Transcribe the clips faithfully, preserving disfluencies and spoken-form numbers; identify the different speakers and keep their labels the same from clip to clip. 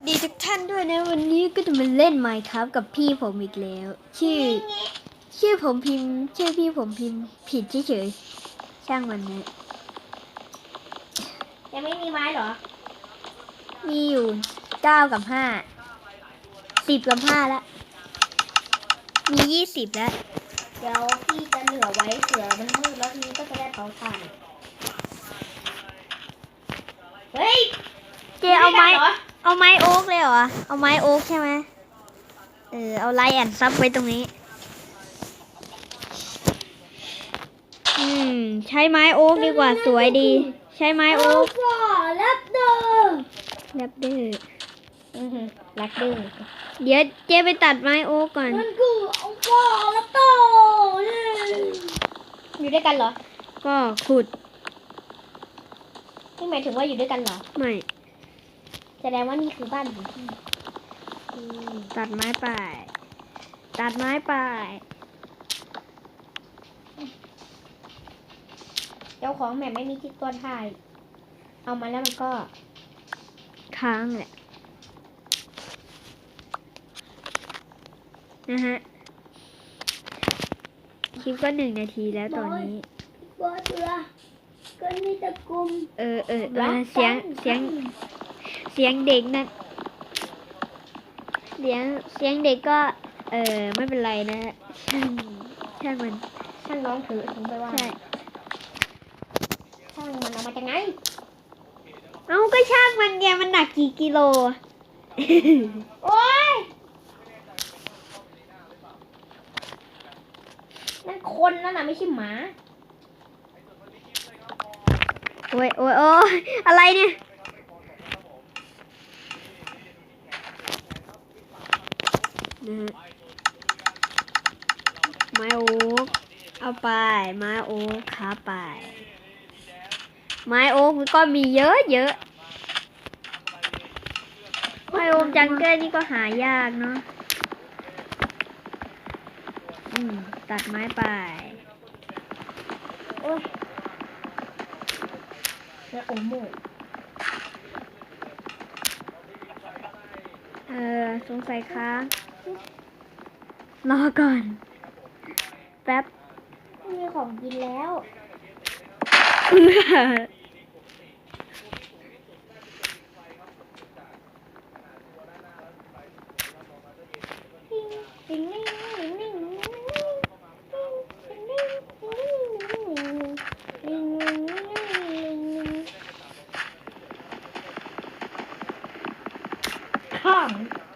Speaker 1: ดีทุกท่านด้วยนะวันนี้ก็จะมาเล่น Minecraft กับพี่ผมอีกแล้วชื่อชื่อผมพิมพ์ชื่อพี่ผมพิมพ์ผิดเฉยๆช่างมันนะ
Speaker 2: ยังไม่มีไม้เหรอ
Speaker 1: มีอยู่เก้ากับห้าสิบกับห้าแล้วมียี่สิบแล้ว
Speaker 2: เดี๋ยวพี่จะเหลือไว้เผื่อมันมืดแล้วทีนี้ก็จะได้เผาถ่านเฮ้ย
Speaker 1: เจเอาไม้เอาไม้โอ๊กเลยเหรอเอาไม้โอ๊กใช่ไหมเออเอาไลท์แอนด์ซับไว้ตรงนี้อืมใช้ไม้โอ๊กดีกว่าสวยดีใช้ไม้โอ๊ก
Speaker 2: แรปเดอร์
Speaker 1: แรปเดอร์
Speaker 2: อือฮึแรปเดอร์
Speaker 1: เดี๋ยวเจไปตัดไม้โอ๊กก่อน
Speaker 2: มันคือเอาฟ้าแรปเดอร์อยู่ด้วยกันเหรอ
Speaker 1: ก็ขุด
Speaker 2: นี่หมายถึงว่าอยู่ด้วยกันเหรอ
Speaker 1: ไม่
Speaker 2: แสดงว่านี่คือบ้านของพี่
Speaker 1: ตัดไม้ไปตัดไม้ไป
Speaker 2: เจ้าของแม่ไม่มีที่ตัวถ่ายเอามาแล้วมันก็
Speaker 1: ค้างแหละนะฮะคลิปก็หนึ่งนาทีแล้วตอนนี้
Speaker 2: บอสเรือก็นี่ตะกุม
Speaker 1: เออเออเออเสียงเสียงเสียงเด็กนั่นเสียงเสียงเด็กก็เออไม่เป็นไรนะช่างช่างมัน
Speaker 2: ช่างน้องถือถึงไปว่า
Speaker 1: ใช่
Speaker 2: ช่างมันเอามาจากไหน
Speaker 1: เอ้าก็ช่างมันแกมันหนักกี่กิโล
Speaker 2: โอ้ยนั่นคนนั่นน่ะไม่ใช่หมา
Speaker 1: โอ้ยโอ้ยโอ้ยอะไรเนี่ยนะฮะไม้โอ๊กเอาไปไม้โอ๊กขาไปไม้โอ๊กมันก็มีเยอะเยอะไม้โอ๊กจังเกิลนี่ก็หายากเนาะอืมตัดไม้ไป
Speaker 2: โอ้ยแล้วโอโม่
Speaker 1: เออสงสัยค้างรอก่อนแป๊บ
Speaker 2: มีของกินแล้วข้าม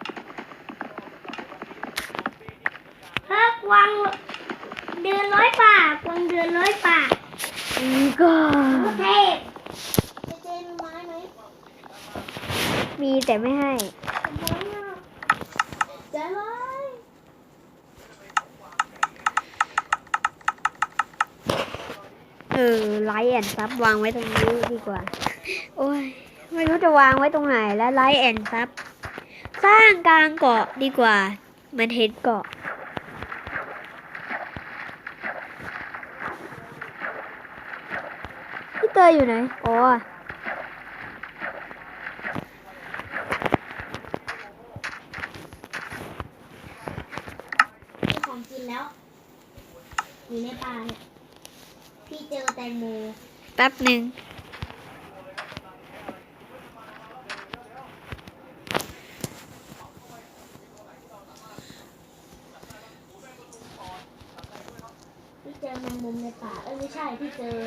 Speaker 2: พักวังเดือนร้อยป่ากวังเดือนร้อยป่า
Speaker 1: อีก็
Speaker 2: เทพเจเจมีไม้ไหม
Speaker 1: มีแต่ไม่ให้
Speaker 2: จะไล
Speaker 1: เออไลท์แอนด์ซับวางไว้ตรงนี้ดีกว่าโอ้ยไม่รู้จะวางไว้ตรงไหนแล้วไลท์แอนด์ซับสร้างกลางเกาะดีกว่ามันเห็นเกาะพี่เตยอยู่ไหนอ๋อ
Speaker 2: มีของกินแล้วอยู่ในป่าเนี่ยพี่เจอแตงโม
Speaker 1: แป๊บหนึ่ง
Speaker 2: พี่เจอแมงมุมในป่าเอ้ยไม่ใช่พี่เจอ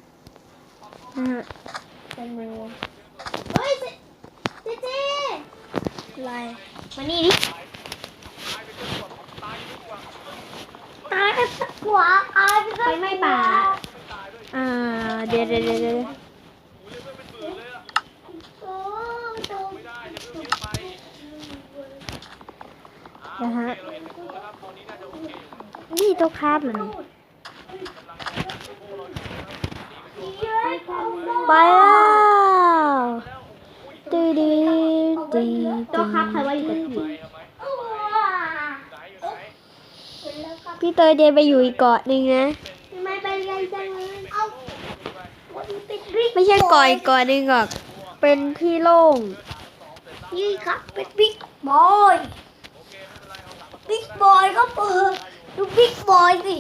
Speaker 2: แตงโมเฮ้ยเจเจเจ
Speaker 1: อะไร
Speaker 2: มานี่ดิตายไปหัวตายไปไฟไหม้ป่า
Speaker 1: อ่าเดี๋ยวเดี๋ยวเดี๋ยวนะฮะนี่ตัวคาบเหรอนี่ไปแล้วตีดีตี
Speaker 2: ตัวคาบใครว่าอยู่กับพี่
Speaker 1: พี่เตยเดินไปอยู่อีกเกาะหนึ่งนะ
Speaker 2: ไม่เป็นไรจังเลยเอา
Speaker 1: ไม่ใช่เกาะอีกเกาะหนึ่งหรอกเป็นที่โล่ง
Speaker 2: นี่ครับเป็นบิ๊กบอยบิ๊กบอยก็เปิดดูบิ๊กบอยสิ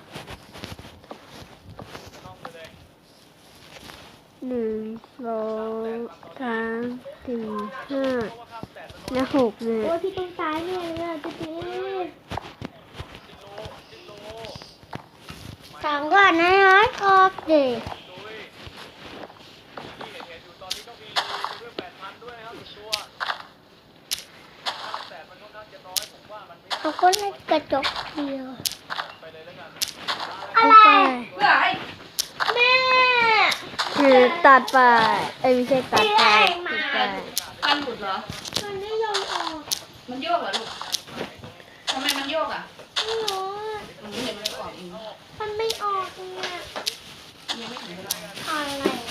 Speaker 1: หนึ่งสองสามสี่ห้าและหกเนี่ย
Speaker 2: โอ้ยพี่ต้องตายเนี่ยเลยอ่ะจะตีสามก่อนนะร้อยกอบดิเอาคนให้กระจกเดียวอะไร
Speaker 3: เพื่อให้
Speaker 2: แม่
Speaker 1: คือตัดไปเอ้ยไม่ใช่ตัดไปตัดไป
Speaker 3: ฟันหลุดเหรอ
Speaker 2: มันไม่ยอมออก
Speaker 3: มันโยกเหรอลูกทำไมมันโยกอ่ะ
Speaker 2: ไม่รู้อะ
Speaker 3: หนูเห็นมันออกเอง
Speaker 2: มันไม่ออกเนี่ย
Speaker 3: ยังไม่ถึงเวลา
Speaker 2: อะไรวะ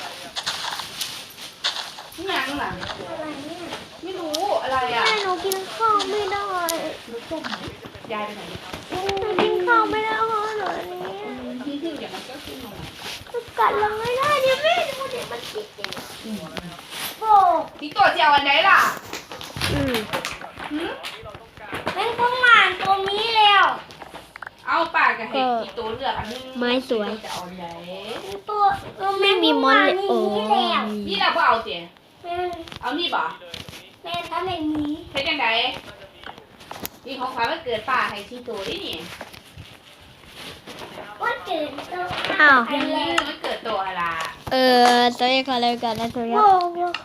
Speaker 3: นี่ยังหลัง
Speaker 2: อะไรเนี่ย
Speaker 3: ไม่รู้อะไรอ่ะ
Speaker 2: แม่หนูกินข้าวไม่ได้
Speaker 3: ลูกส้มยายไปไหน
Speaker 2: หนูกินข้าวไม่ได้เพราะหนูนี้
Speaker 3: ที่ที่อย่างมันก็ขึ้นมา
Speaker 2: มันกัดเราไม่ได้เดี๋ยวแม่ดูเดี๋ยวมันติดเองโอ้
Speaker 3: ที่ตัวเจียวอันไหนล่ะ
Speaker 1: อืม
Speaker 3: หืม
Speaker 2: แม่งต้องหมานตรงนี้แล้ว
Speaker 3: เอาปากกับเห็ดที่ตัวเลือกอันนึงจะเอาอันไหน
Speaker 2: ตัวตัว
Speaker 1: ไม่มีมอนเลยโอ้
Speaker 2: แม่ง
Speaker 3: นี่เราก็เอาเตี๋ย
Speaker 2: แม่ง
Speaker 3: เอานี่บ่
Speaker 2: แม่งถ้าไม่มี
Speaker 3: เฮ็ดยังไงนี่ของขวัญวันเกิดป้าให้ที่ตัวนี่นี่
Speaker 2: ว่าเกิดตัว
Speaker 1: อ้าว
Speaker 3: อืมมันเกิดตัวอะไร
Speaker 1: เออตัวเองขอเล่นกันนะตัวเอง
Speaker 2: โอ้โห